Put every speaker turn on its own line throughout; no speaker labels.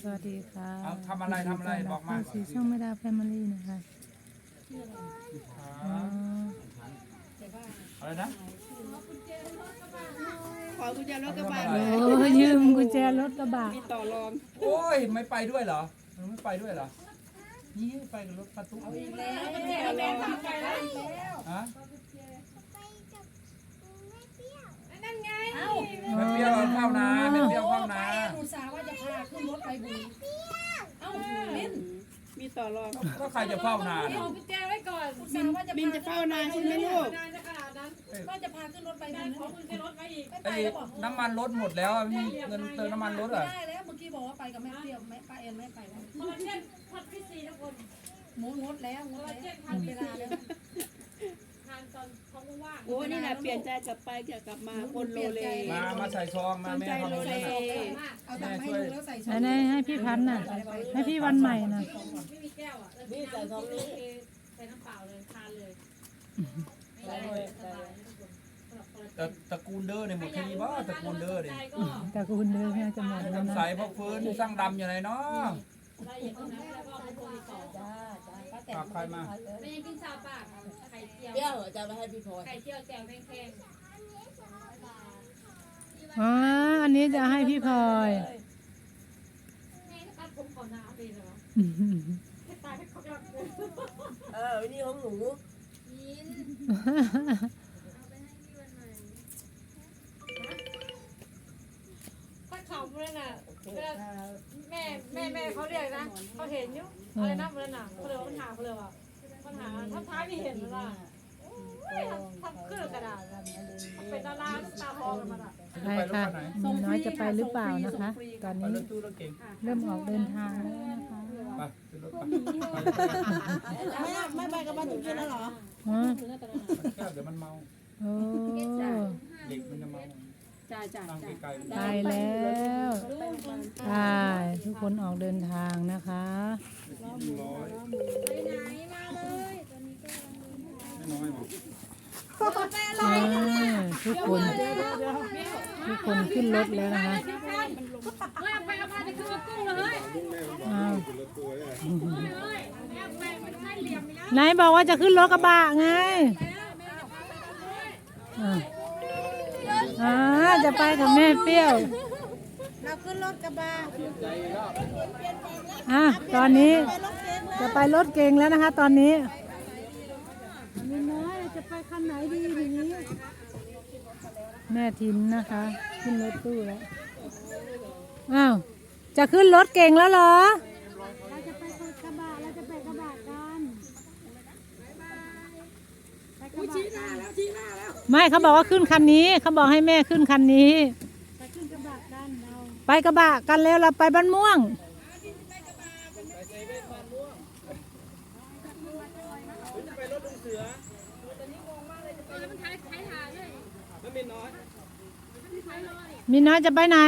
วัสดีค่ะ
เอาทำอะไรบอกมา
สีช่องไม่ดาแฟมิลี่นะคะอ๋อ
อะไรนะ
ขอกุญแจรถกระบะ
โอ้ยืมกุญแจรถกระบะ
มีต่อรอง
โอ้ยไม่ไปด้วยเหรอไม่ไปด้วยเหรอนี่ไปกับรถประตู
แล้วแม่ทำไปแล้ว
ฮะ
นั่นไง
ไม่เปรี้ยวเข้านาไม่เปรี้ยวเข้านา
อุตส่าห์ว่าจะพาขึ้นรถไปบุรี
เอ้ามิ้นมีต่อรอง
ก็ใครจะเฝ้านา
เอากุญแจไว้ก่อนอุตส่าห์ว่าจะ
มิ้นจะเฝ้านานใช่ไหมลูก
นานจะขนาดนั้นว่าจะพาขึ้นรถไปบุรีขอกุญแจรถไว้อีกไม่ไป
ไอ้
แล้วบอก
น้ำมันรถหมดแล้วมีเงินเติมน้ำมันรถ
ไม่
อ่ะ
ได้แล้วเมื่อกี้บอกว่าไปกับแม่เปรี้ยวแม่ป้าเอ็นไม่ไปแล้ว
คอลลาเจนพัดพี่ซีทุกคน
หมูงดแล้วงดเวลาแล้ว
ทานตอนท้องว่าง
โอ้นี่นะเปลี่ยนใจกลับไปกลับมาคนโลเล
มาใส่ซองมาแม่เขาไม่ได้
เอาตังค์ให้ดูแล้วใส่ชุด
อันนี้ให้พี่พันธุ์น่ะให้พี่วันใหม่น่ะ
ไม่มีแก้วอ่ะแล้วใส่ท้องนี้ใส่น้ำเปล่าเลยทานเลยสบาย
ตระกูลเด้อเนี่ยหมดแค่นี้บ่ตระกูลเด้อเนี่ย
ใจก็
แต่คุณเดินแม่จะหมดแล้ว
ทำ
นะ
ใสพวกฟื้นสร้างดำอยู่ไหนเนาะ
ละเอียดตรงนั้นแล้วก็ไปโทรติดต่อ
ฝากใครมา
ไม่ยังกินชาปากไข่เจียว
เปรี้ยวจะไปให้พี่พลอย
ไข่เจียวแจ่วแพง
อ๋ออันนี้จะให้พี่พลอย
ๆแม่ตัดผมก่อนนะดีเหรอให้ตายให้เขาแบบ
นี่ของหนู
ถ้าเขาเมื่อน่ะแม่เขาเรียกนะเขาเห็นอยู่อะไรนะเมื่อน่ะเขาเลยปัญหาเขาเลยว่าปัญหาถ้าท้ายไม่เห็นแล้วล่ะทำเครื่องกระดาษเป็นดาราตาทองกันมาอ่ะ
ไปค่ะมีน้อยจะไปหรือเปล่านะคะ ตอน
ไป
นี้
รถตู้รถเก่ง
เริ่มออกเดินทางแล้วนะคะ
ไปขึ้นรถไป
ไม่ไปกับบ้านจุ๊บแล้วเหรอ
อ๋อ
แก้วเดี๋ยวมันเมา
โอ้
เด็กมันจะเมา
จ้า
นั่งไกลๆ
ไปแล้วไปทุกคนออกเดินทางนะคะ
ร้อยไม่น้อยบอก
ทุกคนขึ้นรถแล้วนะคะ
ว่าไปเอามาจะขึ้นรถตู้เลย
อ้าว
เลยแม่ไปมันใช่เหลี่ยมแล้ว
ไหนบอกว่าจะขึ้นรถกระบะไงจะไปกับแม่เปรี้ยว
เราขึ้นรถกระบะ
ตอนนี้จะไปรถเก๋งแล้วนะคะ ตอนนี้มีน้อยจะไปคันไหนดีทีนี้แม่ทินนะคะ ขึ้นรถตู้แล้วอ้าวจะขึ้นรถเก๋งแล้วเหรอไม่เขาบอกว่าขึ้นคันนี้เขาบอกให้แม่ขึ้นคันนี้ไปกระบะกันแล้วเราไปบ้านม่วงมีน้อยจะไปไหน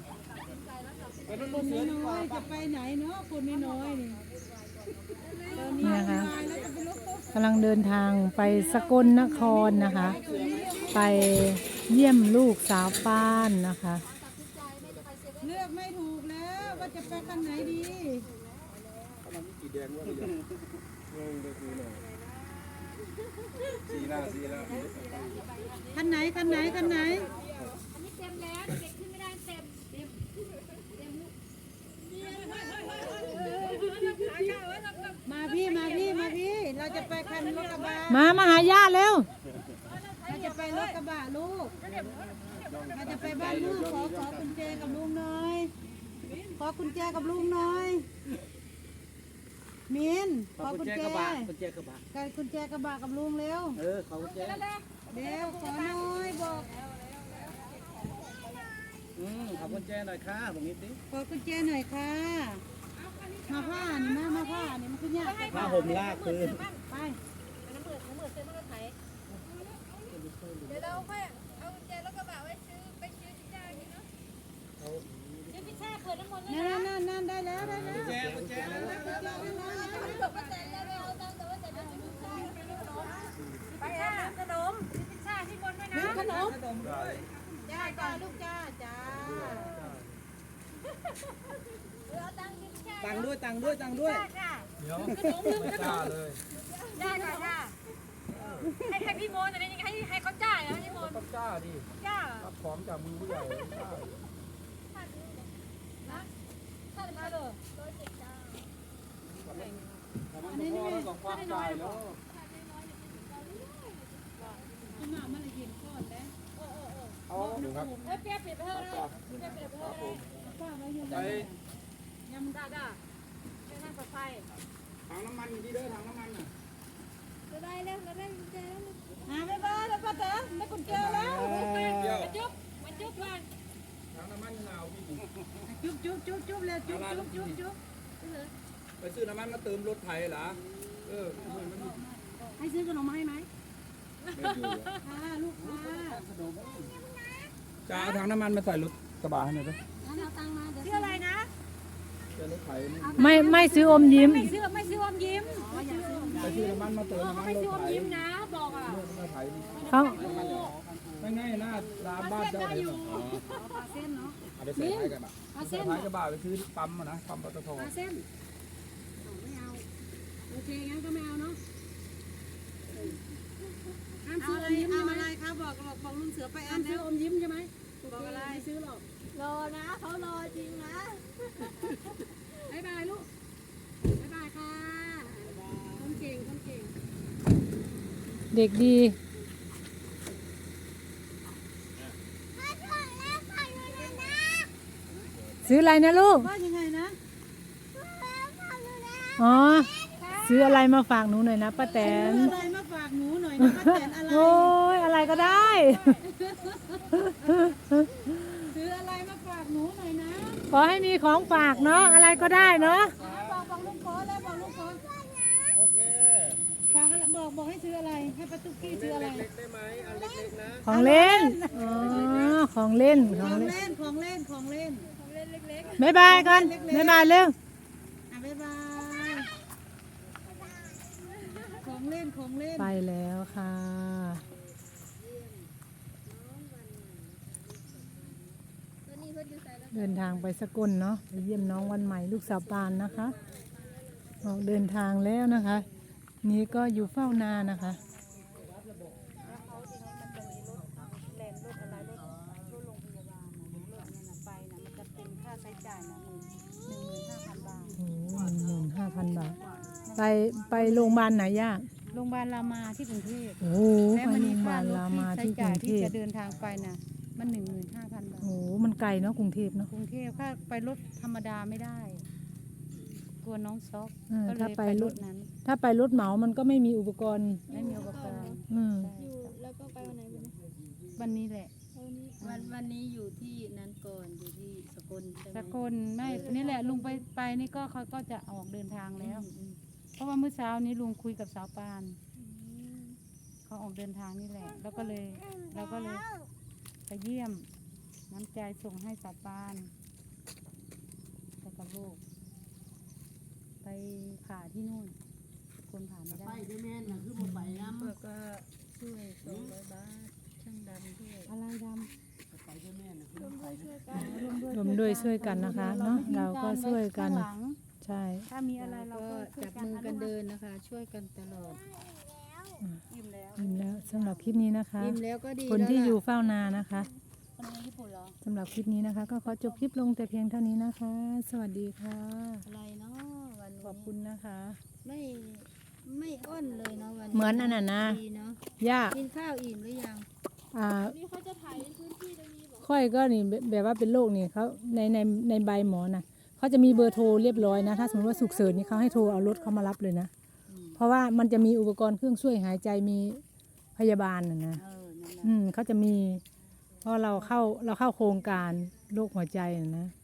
จะไปไหนเนาะคนมีน้อยนี่นะคะกำลังเดินทางไปสกลนครนะคะ ไปเยี่ยมลูกสาวป้านนะคะ
เลือกไม่ถูกแล้วว่าจะไปคันไหนดี
สีหน้าสีแล้ว
คันไหนคันไหนคันไหน
เต็มแล้วเด็กขึ้นไม่ได้เต็ม
มาพี่มาพี่มาพี่เราจะไปคันรถกระบะ
มาหาญาติเร็ว
เราจะไปรถกระบะลูกเราจะไปบ้านลูกขอกุญแจกับลุงหน่อยขอกุญแจกับลุงหน่อยมินขอกุญแจกับกุญแจกระบะกับลุงเร็วขอกุญแจเร็วขอหน่อยบอก
ขอบคุณแจหน่อยค่ะตรงนี้สิ
ขอกุญแจหน่อยค่ะมาผ้านี่มาผ้านี่มันขึ้นยาก
ผ้าห่มลากคืน
ไป
เดี๋ยวเราค่อยเอากุญแจรถกระบะไว้ซื้อไปซื้อที่จ้ากินเนาะซื้อพิซซ่าเขินน้ำมันเลยนะ
นั่นได้แล้วได้แล้ว
แจกุญแจแล้ว
บอกว่าแต่แล้วไม่เอาตังค์แต่ว่าแต่จะซื้อพิซซ่าไปค่ะขนมซื้อพิซซ่าที่บนด้วยนะขนม
จ้าลูกจ้า
เอาตังค์
ตังค์ด้วยตังค์ด้วยตังค์ด้วย
เดี๋ยวไม่กล้าเลย
ได้ค่ะได้ให้พี่โมนแต่นี่ให้เขาจ่ายแล้วพี่โมน
ต้องกล้าดิ
จ่าย
รับของจากมือผู้ใหญ่ต้องกล้า
ถ้าจะมาเลย
อันนี้พ่อต้องความใจแล้ว
คุณหมามันละเย็นก่อนแล้ว
เอาดูครับ
เอ้ยเปียกปิดไปเถอะนะเปียกปิดไปเถอะนะ
ป้าไว้อยู่
ไป
ได้ได้ไม่นั่งกับไฟ
ถังน้ำมันอยู่ที่เด้อถังน้ำมันน่ะ
จะได้แล้วจะได้กุญแจแล้ว
บ๊ายบายแล้วป้าแตนได้กุญแจแล้ว
เดี๋ยว
มาจุ๊บมาจุ๊บก่อน
ถังน้ำมันหนาวพี่
จุ๊บเลยจุ๊บ
ไปซื้อน้ำมันมาเติมรถไถเหรอมัน
ให้ซื้อขนมมาให้ไหม
ไม่อยู่
ค่ะลูกค้า
จะเอาถังน้ำมันมาใส่รถกระบะให้หน่อยด้วย
เอาตังค์มาเดี๋ยว
ชื่ออะไรนะ
เจอรถไถนี่
ไม่ซื้ออมยิ้ม
ไม่ซื้ออมยิ้ม
ไปซื้อน้ำมันมาเติมน้ำมัน
ไม่
รถ
ซื้ออม
ไถ
ยิ้มนะบอกอ่ะ
รถไถนี่
เขา
ไม่ง่ายหน้าร้านบ้านเจ้าเลย
ปลาเส้นเนาะ
เอาไปใส่ท้ายกระบะใส่ท้ายกระบะไปซื้อปั๊มนะปั๊มปตท
ปลาเส้นไม่เอาโอเคงั้นก็ไม่เอาเนาะห้ามซื้ออมยิ้มใช่ไหมอะไรคะบอกลุงเสือไปห้ามซื้ออมยิ้มใช่ไหมบอกอะไรไม่ซื้อหรอก
รอนะเขารอจริงนะ
บ๊ายบายลูกบ๊ายบายค่ะคนเก่งคนเก่ง
เด็กดี ซื้ออะไรนะลูก
ว่ายังไงนะ
อ๋อ ซื้ออะไรมาฝากหนูหน่อยนะป้าแตน
ซื้ออะไรมาฝากหนูหน่อยนะป้าแตนอะไร
โอ้ยอะไรก็ได้
ซื้ออะไรมาฝากหนูหน่อยนะ
ขอให้มีของฝากเนาะอะไรก็ได้เนาะ
บอกลุงโค้แล้วบอกลุงโค้
โอเค
ฝากอะไรบอกให้ซื้ออะไรให้ป้าตุ๊กกี้ซื้ออะไร
เล็กได้ไหมอันเล็กๆนะ
ของเล่นอ๋อของเล่นข
ข
อ
องง
เล่น
เล่นของเล่นของเล่น
บ๊ายบายกันบ๊ายบายเร็ว
บ๊ายบายของเล่นของเล่น
ไปแล้วค่ะ เดินทางไปสกลเนาะไปเยี่ยมน้องวันใหม่ลูกสาวปานนะคะออกเดินทางแล้วนะคะ นี้ก็อยู่เฝ้านานะคะ
ค่าใช้จ่ายนะ15,000 บาท
โอ้15,000 บาท ไปโรงพยาบาลไหนย่า
โรงพยาบาลรามาที่กรุงเทพ
โอ้ไปโรงพยาบาลรามาที่กรุงเท
ที่
พ
จะเดินทางไปนะมัน 15,000 บาท
โอ้มันไกลเนาะกรุงเทพเนาะ
กรุงเทพถ้าไปรถธรรมดาไม่ได้ กลัวน้องซอก ก็เล
ถ้าย ไป
ไป
ร
ร
ถ
ถนั้น
ถ้าไปรถเหมามันก็ไม่มีอุปกรณ์
ไม่มีอุปกรณ์
อืม
แล้วก็ไปวันไหนวันนี้
วันนี้แหละ
วันนี้อยู่ที่นั้นก่อนอยู่ที่สกลใช่ไหม
สกลไม่นี่แหละลุงไปนี่ก็เขาก็จะออกเดินทางแล้ว เพราะว่าเมื่อเช้านี้ลุงคุยกับสาวปานเขาออกเดินทางนี่แหละ แล้วก็เลยเราก็เลยไปเยี่ยมน้ำใจส่งให้สาวปานแล้วก็ลูกไปผ่าที่นู่นสกลผ่าไม่ได้
ด้วยแม่น่ะคือบ่ไปน้ำแล้วก็ช่วย200 บาทช่างดำด้วย
อะไรด
ไปด้วยแม่น่ะคือบ่ไปนะ
ำ
รวมด้วยช่วยกันนะคะเนาะเราก็ช่วยกัน
ข้างหลัง
ใช่
ถ้ามีอะไรเรา
ก็
ก็ช่วย
จับมือกันเดินนะคะ ช่วยกันตลอด
ยิ้มแล้ว
อิ่มแล้วสำหรับคลิปนี้นะคะ
ยิ้มแล้วก็ดี
คน
แล้ว
ที่
ล่ะ
อยู่เฝ้านานะคะ
คนนี้ญี่ปุ่นเหรอ
สำหรับคลิปนี้นะคะ ก็ขอจบคลิปลงแต่เพียงเท่านี้นะคะ สวัสดีค่ะ
อะไรเนาะวัน
ขอบคุณนะคะ
ไม่อ้อนเลยเนาะวัน
เหมือนอันนั้นนะ
ดีเนาะ
ย่า
กินข้าวอิ่มหรือยัง
นี่เขาจะถ่ายพื้นที่ตรงนี้บอก
ค่อยก็นี่แบบว่าเป็นโรคนี่เขาในใบหมอนะเขาจะมีเบอร์โทรเรียบร้อยนะถ้าสมมติว่าฉุกเฉินนี่เขาให้โทรเอารถเขามารับเลยนะเพราะว่ามันจะมีอุปกรณ์เครื่องช่วยหายใจมีพยาบาลนะ
นั่นแหละ
เขาจะมีเพราะเราเข้าโครงการโรคหัวใจนะ